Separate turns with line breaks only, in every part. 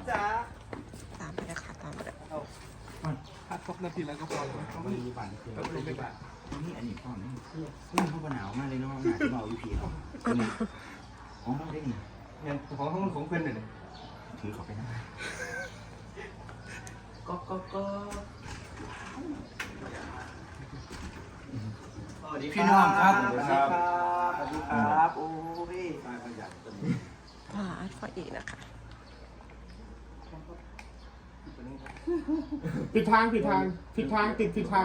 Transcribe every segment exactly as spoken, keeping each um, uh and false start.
จ้า
ตามไปเลยค่ะตามไปเลย
พักสักนาทีแล้วก็พอแล้วเขาไม่มีบัตรเก็ไม่บัตรนี่อันนี้พ่อนี่เสื้อนี่เขาหนาวมากเลยเนาะหนาวเบาอยู่ผีเขาของเขาได้ไงเนี่ยของเขาของเพื่อนเลยถือเขาไปนะก็ก็ก็พี่น้องครับสวัสดีครับสวัสดีครับโอ้ย
พาอัดฟออีกนะคะ
ผิดทางผิดทางผิดทางติดผิดทาง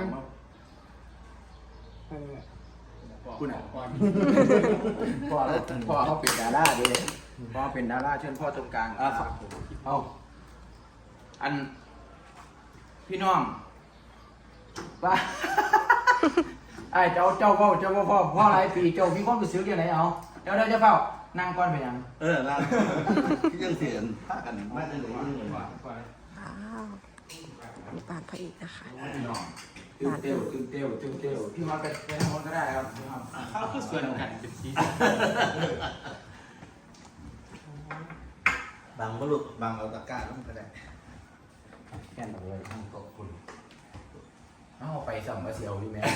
คุณอ่ะพ่อพ่อเขาเป็นดาราดิพ่อเป็นดาราเชิญพ่อตรงกลางอ่ะเอาอันพี่น้องป้าไอ้เจ้าเจ้าพ่อเจ้าพ่อพ่อพ่อหลายปีเจ้ามีความรู้สึกยังไงเอาเดี๋ยวเดี๋ยวจะเฝ้านั่งก่อนไปยัง
เออนั่งที่ยังเสียนพากันมาได้เลยนี่เลยว่า
ว้าวมีปานพระเอกนะคะ
พี่น้องตึ้งเตี้ยวตึ้งเตี้ยวตึ้งเตี้ยวพี่มาไปไปทางโน้นก็ได้ครับเขาคือส่วนกันเป็นสี
บางมลุกบางเอาตะกร้าลงก็ได้
แค่นั้นเลยขอบคุณเอาไปสั่งมาเซียวพี่แม่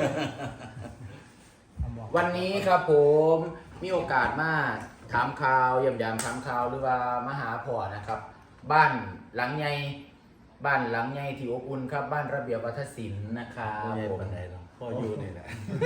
วันนี้ครับผมมีโอกาสมาถามข่าวเยี่ยมยามถามข่าวหรือว่ามาหาพ่อนะครับบ้านหลังใหญ่บ้านหลังใหญ่ที่อบอุ่นครับบ้านระเบียบวัฒนศิลป์นะครับ
พ่อใหญ่
ผม
ปันใดเนาะพ่ออยู่นี่แหละ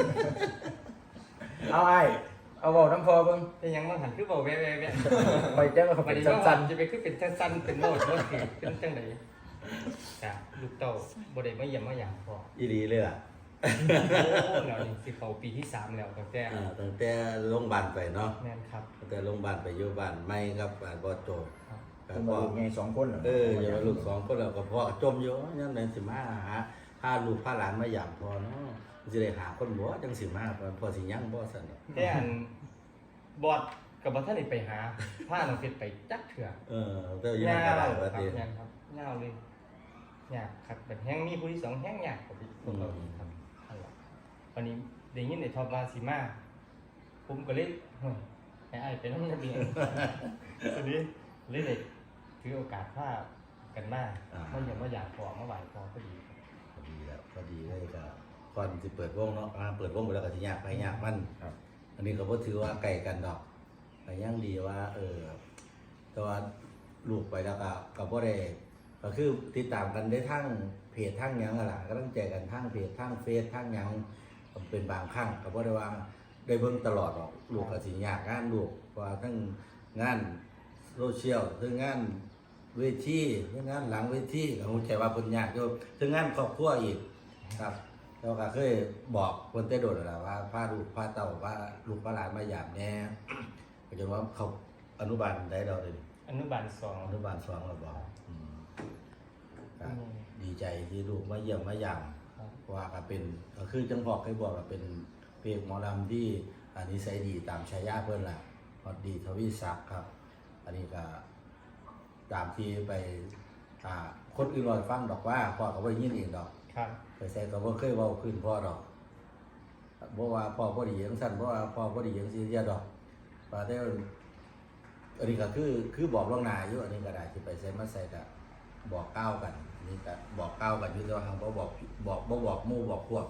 เอาไอ้เอาบอกน้ำพอเบิ่ง
เป็นยังมันหันคือบอกแว่แว่แว่
ไปแจ้งว่าเขา
วั
เป็น น
นี้
สั้
สั้
น
นๆจะไปคือเป็นสั้นๆเป็นโลดโลดเหตุเป็นจังไดจ้ะลูกเต้าบ่ได้มาเยี่ยมมาหยังพอ
อีดีเลยอ่ะ
โอ้แล้วนี่สิเข้าปีที่สามแล้วตั้งแต่
อ่าตั้งแต่โรงพยาบาลไปเนาะ
แม่นครับ
ตั้งแต่โรงพยาบาลไปอยู่บ้านไม่ครับบ้านบ่อโจ
ครับ
ๆ
แต่
เป็น
พ่อ
ลูกไงสองคนเหรอ
เอออย่ามาลูกสองคนแล้วก็พ่อจมอยู่ยังในสิมาหาพาลูกพาหลานมาหยามพ่อเนาะสิได้หาคนบ่จังสิมาพ่อสิยังบ่ซั่นเนาะ
แต่อันบอดกับบ่ทันได้ไปหาพาน้องเพชรไปจักเถื่อ
เออแต่อยู่
ยา
นั่นก็
ว
ได้
ค
ว่า
รับ
ติ
ยาวครับยาวเลยยากครับแบบแห้งมีผู้ที่สองแห้งยากกว่าพวกเราอีกครับนั่นแหละวันนี้ได้ยินได้ทอบมาสิมาผมก็เลยเฮ้ยไอ้ไอ้เป็นน้ำเบียงทีนี้เลยได้ถือโอกาสพากันมาไม่อย่างว่าอยากพอเมื่อวานพอพอดี
พอดีแล้วพอดีเลยก็ก่อนสิเปิดวงเนาะอ่าเปิดวงไปแล้วก็สิยากไปยากมันครับอันนี้ก็บ่ถือว่าไกลกันดอกแต่ยังดีว่า เออแต่ว่าลูกไปแล้วก็ก็บ่ได้ก็คือติดตามกันได้ทั้งเพจทั้งหยังนั่นล่ะก็ต้องแจกกันทั้งเพจทั้งเฟซทั้งหยังเป็นบางครั้งก็บ่ได้ว่าได้เบิ่งตลอดหรอกลูกก็สิยากงานลูกเพราะว่าทั้งงานโซเชียลทั้งงานเวทีทั้งงานหลังเวทีก็คงใจว่าเพิ่นยากอยู่ทั้งงานครอบครัวอีกครับแล้วก็เคยบอกคนแต่โดดแล้วว่าพาลูกพาเต้าว่าลูกพาหลานมาหยามแน่ก็จนว่าเขาอนุบาลได้เราเลย
อนุบาลสอง
อนุบาลสองเราบอกอืมครับดีใจที่ลูกมาเยี่ยมมาหยามเพราะว่าก็เป็นก็คือจังบอกเคยบอกว่าเป็นเพลงหมอลำที่อันนี้ใส่ดีตามฉายาเพื่อนล่ะฮอดดีทวีศักดิ์ครับ อันนี้ก็ตามที่ไปอ่าคนอื่นรอยฟังดอกว่าพ่อก็บ่ได้ยินเองดอก
ครับ
ไปใส่ก็บ่เคยเว้าขึ้นพ่อดอกบ่ว่าพ่อบ่ดีจังซั่นบ่ว่าพ่อบ่ดีจังซี่เสียดอกว่าแต่อันนี้ก็คือคือบอกล่วงหน้าอยู่อันนี้ก็ได้ที่ไปใส่มาใส่ก็บอกก้าวกันอันนี่ก็บอกก้าวกันอยู่แต่ว่าทางบ่บอกบอกบ่บอกหมู่บอกพวก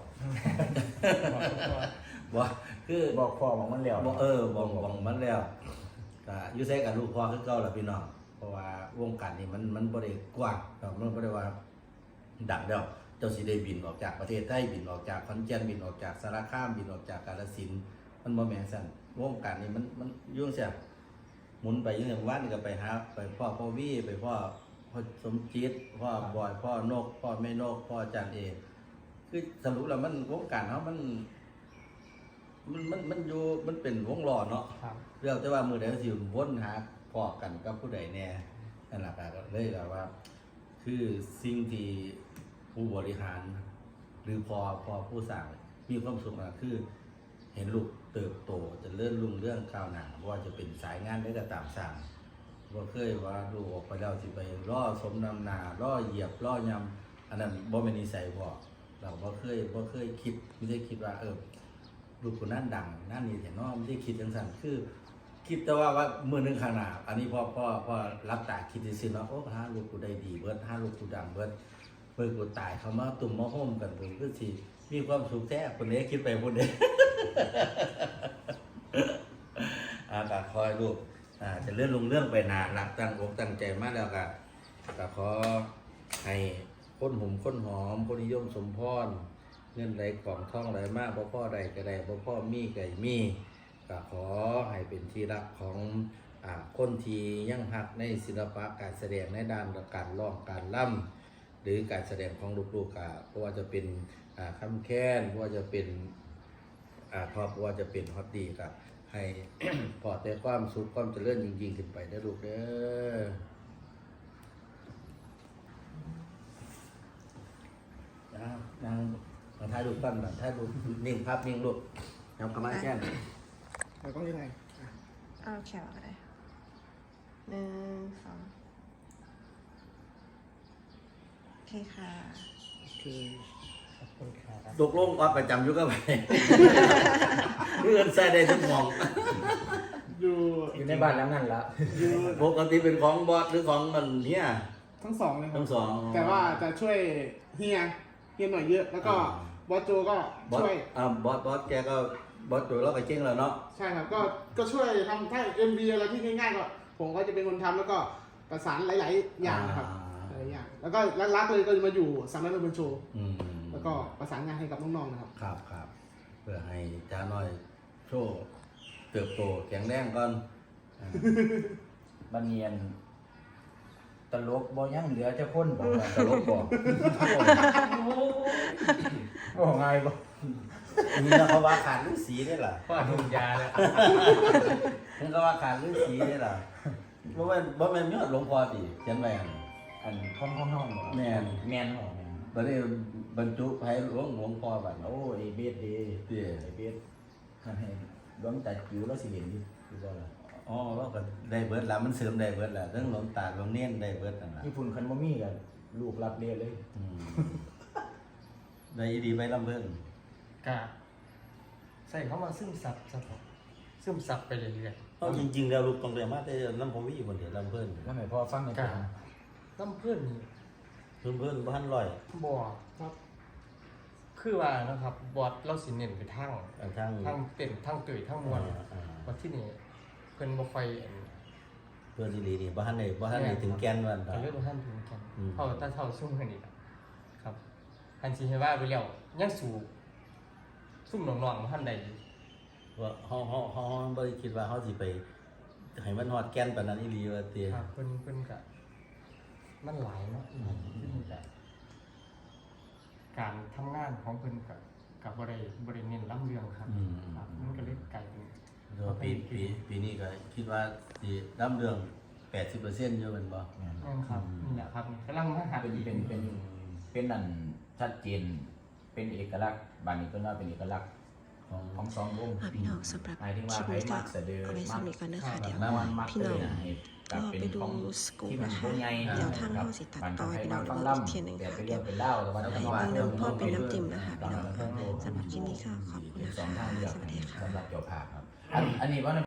บ่คือ
บอกพ่อบอกมันแล้ว
บอกเออบอกบอกมันแล้วก็อยู่ใส่กับลูกพ่อคือเก่าล่ะพี่น้องเพราะว่าวงการนี้มันมันบ่ได้กว้างมันบ่ได้ว่าดังแล้วเจ้าสิได้บินออกจากประเทศไทยบินออกจากขอนแก่นบินออกจากสารคามบินออกจากกาฬสินธุ์มันบ่แม่นซั่นวงการนี้มันมันยุ่งแซ่บหมุนไปอยู่ในวันนี่ก็ไปหาไปพ่อพ่อวี่ไปพ่อพ่อสมจิตพ่อบอยพ่อนกพ่อแม่นกพ่อจันเอกคือสรุปแล้วมันวงการเฮามันมันมันมันอยู่มันเป็นวงล้อเนาะ
ครับ
เรื่องแต่ว่ามือใดก็สิวนหาพอกันกับผู้ใดแน่นั่นแหละก็เลยก็ว่า คือสิ่งที่ผู้บริหาร หรือพอพอผู้สร้างมีความสุขนะคือ เห็นลูกเติบโตจะเลื่อนรุ่งเรื่องก้าวหน้าว่าจะเป็นสายงานได้ก็ตามสร้างว่าเคยว่าลูกออกไปแล้วสิไปล่อสมนำหนาล่อเหยียบล่อยำอันนั้นบ่เป็นนิสัยพ่อเราบ่เคยบ่เคยคิดไม่ได้คิดว่า เออ ลูกคนนั้นดังนั่นนี่แต่น้องไม่ได้คิดจังสันคือ แคิดแต่ว่าว่ามือหนึงข้างหน้าอันนี้พ่อพ่อพ่อรับตาคิดซื่อๆเนาะโอ้ห้าลูกกูได้ดีเบิดห้าลูกกูดังเบิดเบิดกูตายเขามาตุ่มมาโฮมกันผมคือสิมีความสุขแท้คนนี้คิดไปคนเดียว อ่าก็คอยลูกอ่าจะเลื่อนลงเรื่องไปนานหลักตั้งอกตั้งใจมากแล้วก็ก็ขอให้คนหุ่มคนหอมคนนิยมสมพรเงินไหลกล่องท่องไหลมากพ่อพ่อใดก็ได้พ่อพ่อมีไก่มีก็ขอให้เป็นที่รักของอ่าคนที่ยังหักในศิลปะการแสดงในด้านการร้องการล่ำหรือการแสดงของลูกๆก็เพราะว่าจะเป็นอ่าคำแค้นเพราะว่าจะเป็นอ่าทอเพราะว่าจะเป็นฮอตดีกับให้ พอแต่ความสุขความเจริญยิ่งๆขึ้นไปได้อลูกเด้อนะนางมาถ่ายรูปกันนะถ่ายรูปนิ่งภาพนิ่งลูกครับกำลังแค่น
เราต้องยังไง
เอาแขวก็ได้หนึ่งสองโอเคค่ะ
โอเค
ขอบคุณครับ
ตกลงว่าประจำอยู่ก็ไป เพื่อนใส่ได้ทุกหมอง
อยู่
อยู่ในบ้านหลังนั้นละ
อยู่
ปกติเป็นของบอสหรือของมันเนี่ย
ทั้งสองเลยครั
ทั้
บ
งสอง
แต่ว่าจะช่วยเฮียเฮียหน่อยเยอะ แล้วก็บอสโจก็
บอส
ช่วย
อ่าบอสบอสแกก็บอสตัวเราก็เก่งแล้วเนาะ
ใช่ครับก็ก็ช่วยทำถ้า เอ็ม วี อะไรที่ง่ายๆก็ผมก็จะเป็นคนทำแล้วก็ประสานหลายๆอย่างครับหลายๆอย่างแล้วก็รักๆเลยก็จะมาอยู่สำนักดนตรีโชว์
อืม
แล้วก็ประสานงานให้กับน้องๆนะครับ
ครับครับเพื่อให้จ้าน้อยโชว์เติบโตแข็งแรงก่อนอ่า
บันเนียนตลกบ่ยังเหลือจะพ้นบอกว่าตลกบอกบ่ไงบ่
นี่นะเขาว่าขาดฤาษีได้ล่ะ
พ่อทุกยาแล้ว
นี่เขาว่าขาดฤาษีได้ล่ะบ่แม่นบ่แม่นยอดหลวงพ่อติเขียนไว้อัน
อันห้องห้องห้อง
แม่น
แม่นห้อง
บัดนี้บรรจุไผหลวงหลวงพ่อบัด
โอ้ไอ้เบสดี
เตี้ย
ไอ้เบสให้หลวงตาจิ๋วแล้วสิเห็นอยู่คือบ่ล่ะ
อ๋อเราก็ได้เบิดแล้วมันเสริมได้เบิดแล้วทั้งหลวงตาหลวงเนียนได้เบิดนั่นล่ะ
ญี่ปุ่นคันบ่มีกันลูกรับเรียนเลย
อืมได้อีดีไปลำเพิ่น
กะใส่เข้ามาซึมซับซับซึมซับไปเรื่อย
เอาจริงๆแล้วลูกต้องได้มาแต่ลำผมมีคนเดียวลำเพิ่น
แล้วให้พ่อฟังหน่อย
ๆ
ค
กะ
รับ
น้ำเพื่อนนี่
เพิ่นเพิ่นบ่ทันร้อย
บ่ครับ คือว่านะครับบอสเราสิเน้นไปทาง
อันทาง
ทางเต้นทางตื่นทางมวล
อ่าอ่า
ว่าที่นี่เพิ่นบ่ค่อยอัน
เพิ่นอีหลีนี่บ่ทันได้บ่ทันได้ถึงแก่นวันดอก
ก็เลยบ่ทันถึงกัน
อืม
เท่าถ้าเท่าซุ่มกันอีกอะครับคันสิให้ว่าไปแล้วยังสู่ซุ่มน้องๆบ่ทันได้อยู่
ว่าเฮาเฮาเฮาเฮาบ่ได้คิดว่าเฮาสิไปให้มันฮอดแก่นปานนั้นอีหลีว่าติ
ครับเพิ่นเพิ่นก็มันหลายเนาะที่นี่ก็การทำงานของเพิ่นก็ก็บ่ได้บ่ได้เน้นล้ำเรื่องครับ
อืม
ครับมันก็เลยกลายเป็น
เดี๋ยวปีปีปีนี้ก็คิดว่าสิดํเรื่อง แปดสิบเปอร์เซ็นต์ อยู่แม่นบ่
นั่นครับนี่แหละครับกำลังมาหา
เป็นเป็นเป็นเป็นนั่นชัดเจนเป็นเอกลักษณ์บ้านนี้ก็น่าเป็นเอกลักษณ์
ของ
ของสองวง
อ่ะพี่น้องสำหรับ
หมายถึง
ค
ว่า
ลิป
ไผ
นี้ก็
มักเสะเดือ
เอาไว้สำหรับกันนะคะเดี๋ยว
แล้วมันมัก
พี่น้อง
เลยให้กลับเป็นของ
รอไปดูสกู๊ป
ที่มัน
นะคะ
วงใหญ่
เดี๋ยวท่านเข้าสิตัดต่อให้พี่น้องดูอีกเทียหนึ่ง
แต่
ค่ะ
ไป
เดี๋
เรี
ย
ยว กเป็นเล่าแต่ว่า
ให้
จะ
เบิ่
ว่าง
น้ำพ่อเป็นน้ำจิ้มนะคะพี่น้อง
สำหรับ
สำหรับคลิปนี้ก็ขอบคุณ
เป็น
นะ
สอง
คะ
ทางเลือก
สวัสดีค่ะ
สำหรับเจ้าภาพครับอันอันนี้ว่า